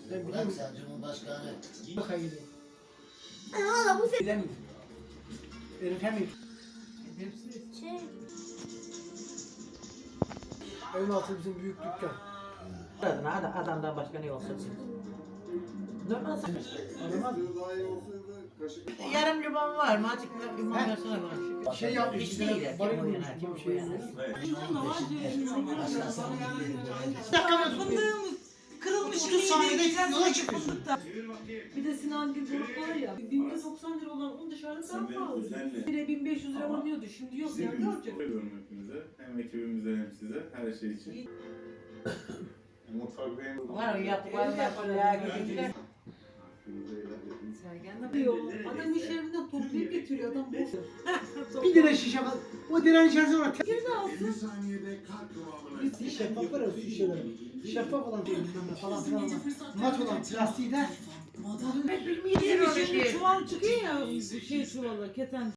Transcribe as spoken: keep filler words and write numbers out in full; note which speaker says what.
Speaker 1: Ben
Speaker 2: Bırak
Speaker 1: biliyorum.
Speaker 2: sen Cumhurbaşkanı.
Speaker 1: Bakaya gidiyor.
Speaker 3: Hala bu sefer.
Speaker 1: Bilemiyorum. Eritemiyor.
Speaker 3: Şey.
Speaker 1: Evin altı bizim büyük dükkan.
Speaker 4: Adına adam, adamdan başka ne olsa normal.
Speaker 1: Aramaz mı?
Speaker 4: Yarım limon var mı? Azıcık limon
Speaker 1: He.
Speaker 4: versene bana.
Speaker 1: Şey yapmış.
Speaker 4: Hiç
Speaker 1: bir
Speaker 4: değil
Speaker 1: tane
Speaker 4: ya.
Speaker 1: baril
Speaker 4: Kim
Speaker 1: bulmuş
Speaker 4: uyanır,
Speaker 1: gibi
Speaker 4: kim
Speaker 1: şey
Speaker 4: uyanır.
Speaker 2: Başka sana gidiyor.
Speaker 5: Fındığımız kırılmış
Speaker 1: otuz saniyede
Speaker 5: yiyeceğiz,
Speaker 1: yola
Speaker 5: yiyeceğiz
Speaker 1: çıkıyorsun.
Speaker 5: fındıktan. Bir de Sinan Gül grup var ya, bin doksan lira olan un dışarıda daha pahalı. Bire bin beş yüz lira alıyordu, şimdi yok ya, ne olacak?
Speaker 6: Seviyorum hepinize. Hem ekibimize hem size. Her şey için. Mutfak benim.
Speaker 4: Var o yaptıklarını yapıyor ya. Gidince.
Speaker 5: Sergen de diyor, adam iş yerinden toplayıp getiriyor, adam boş.
Speaker 1: Bir lira şişe var. O direnin içerisine var.
Speaker 5: Bir de alsın.
Speaker 1: Bir şeffaf var ya su şişeleri. Şeffaf olan değil bilmem ne falan filan ama. Mat olan plastiği de.
Speaker 5: Bir şey çuval çıkıyor ya, şey çuvalı, keten.